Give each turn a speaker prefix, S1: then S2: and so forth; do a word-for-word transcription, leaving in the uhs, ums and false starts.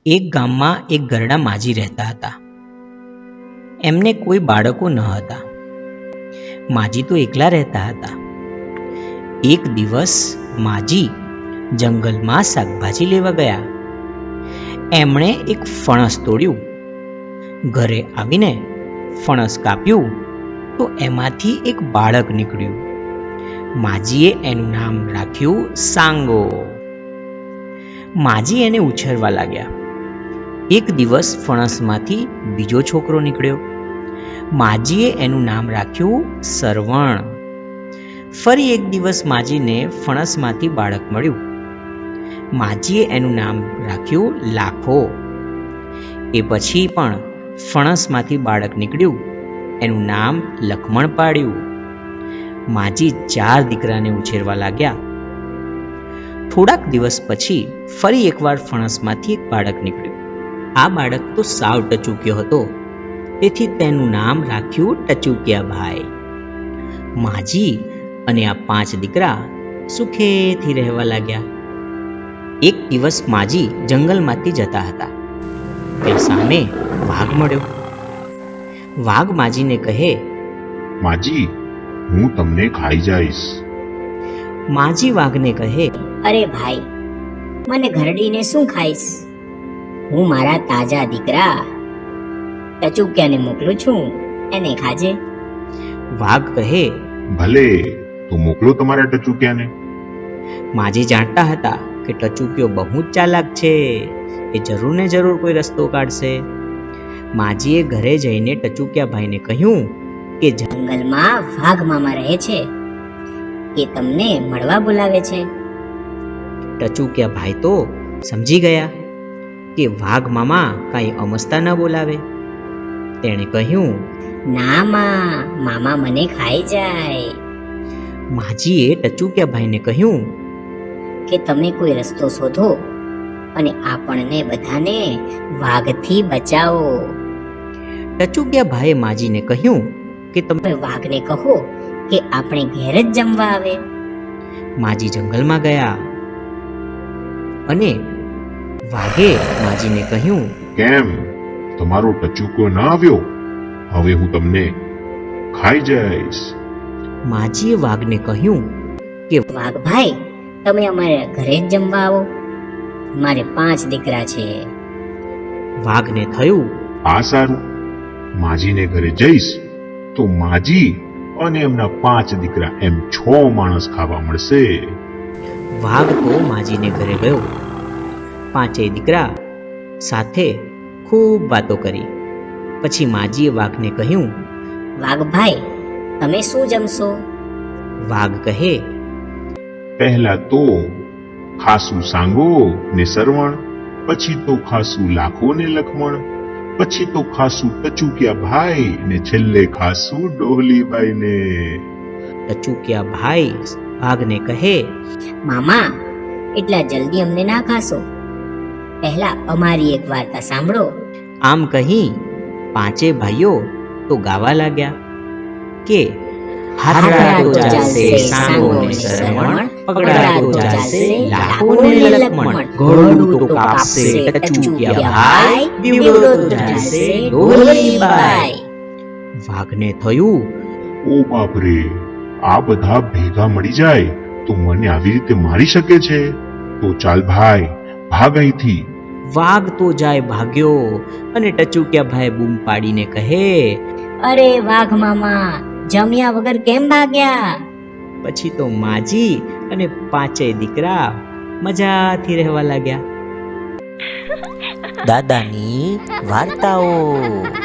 S1: એક ગામમાં એક ઘરડા માજી રહેતા હતા. એમને કોઈ બાળકો ન હતા. માજી તો એકલા રહેતા હતા. એક દિવસ માજી જંગલમાં શાકભાજી લેવા ગયા. એમણે એક ફણસ તોડ્યું. ઘરે આવીને ફણસ કાપ્યું તો એમાંથી એક બાળક નીકળ્યું. માજીએ એનું નામ રાખ્યું સાંગો. માજી એને ઉછેરવા લાગ્યા. એક દિવસ ફણસમાંથી બીજો છોકરો નીકળ્યો. માજીએ એનું નામ રાખ્યું સરવણ. ફરી એક દિવસ માજીને ફણસમાંથી બાળક મળ્યું. માજીએ એનું નામ રાખ્યું લાખો. એ પછી પણ ફણસમાંથી બાળક નીકળ્યું. એનું નામ લખમણ પાડ્યું. માજી ચાર દીકરાને ઉછેરવા લાગ્યા. થોડાક દિવસ પછી ફરી એકવાર ફણસમાંથી એક બાળક નીકળ્યું. આ બાળક તો સાવ ટચુક્યો હતો, તેથી તેનું નામ રાખ્યું ટચુકિયાભાઈ. માજી અને આ પાંચ દીકરા સુખેથી રહેવા લાગ્યા. એક દિવસ માજી જંગલમાંથી જતા હતા. તે સામે વાઘ મળ્યો. વાઘ માજીને કહે,
S2: માજી, હું તમને ખાઈ જઈશ.
S1: માજી વાઘને કહે,
S3: અરે ભાઈ, મને ઘરડીને શું ખાઈશ? હું મારા તાજા દીકરા ટચુકિયાને મોકલું છું, એને ખાજે.
S1: વાઘ કહે,
S2: ભલે, તો મોકલો તમારા ટચુકિયાને.
S1: માજી જાણતા હતા કે ટચુકિયો બહુ જ ચાલાક છે. એ જરૂર ને જરૂર કોઈ રસ્તો કાઢશે. માજીએ ઘરે જઈને ટચુકિયાભાઈને કહ્યું કે
S3: જંગલમાં વાઘ મામા રહે છે, એ તમને મળવા બોલાવે છે.
S1: ટચુકિયાભાઈ તો સમજી ગયા કે વાઘ મામા કાંઈ અમસ્તા ન બોલાવે. તેણે કહ્યું,
S3: ના માં, મામા મને ખાઈ જાય.
S1: માજીએ ટચુકિયાભાઈને કહ્યું
S3: કે તમે કોઈ રસ્તો શોધો અને આપણને બધાને વાઘથી બચાવો.
S1: ટચુકિયાભાઈએ માજીને કહ્યું કે તમે
S3: તમે વાઘને કહો કે આપણે ઘેર જ જમવા આવે.
S1: માજી જંગલમાં ગયા અને વાઘે માજીને કહ્યું,
S2: કેમ, તમારો ટચુકો ન આવ્યો? હવે હું તમને ખાઈ જઈશ.
S1: માજીએ વાઘને કહ્યું કે
S3: વાઘભાઈ, તમે અમારા ઘરે જ જમવા આવો. મારે પાંચ દીકરા છે.
S1: વાઘને થયું,
S2: આ સારું, માજીને ઘરે જઈશ તો માજી અને એમના પાંચ દીકરા એમ છ માણસ ખાવા મળશે.
S1: વાઘ તો માજીને ઘરે ગયો. પાંચેય દીકરા સાથે ખૂબ વાતો કરી. પછી માજીએ વાઘને કહ્યું,
S3: વાઘભાઈ, તમે શું જમશો?
S1: વાઘ કહે,
S2: પહેલા તો ખાસું સાંગો ને સરવણ, પછી તો ખાસું લાખો ને લખમણ, પછી તો ખાસું ટચુકિયા ભાઈ ને છેલ્લે ખાસું ડોહલીબાઈ ને.
S1: ટચુકિયા ભાઈ વાઘને કહે,
S3: મામા, એટલા જલ્દી અમને ના ખાશો. પહેલા અમારી એક વાર્તા સાંભળો.
S1: આમ કહી પાંચે ભાઈઓ તો ગાવા લાગ્યા કે હાથડા તો ચાલશે સાંગો ને સરવણ, પગડા તો ચાલશે લાખો ને લખમણ, ઘોડું તો કાપશે ટચુકિયા ભાઈ, દીવડો તો ચાલશે ડોલીબાઈ. વાઘને થયું,
S2: ઓ બાપ રે, આ બધા ભેગા મળી જાય તો મને આવી રીતે મારી શકે છે? તો ચાલ ભાઈ, ભાગ અહીંથી.
S1: વાઘ તો જાય ભાગ્યો અને ટચુકિયા ભાઈ બૂમ પાડીને કહે,
S3: અરે વાઘ મામા, જમ્યા વગર કેમ ભાગ્યા?
S1: પછી તો માજી અને પાંચેય દીકરા મજાથી રહેવા લાગ્યા. દાદાની વાર્તાઓ.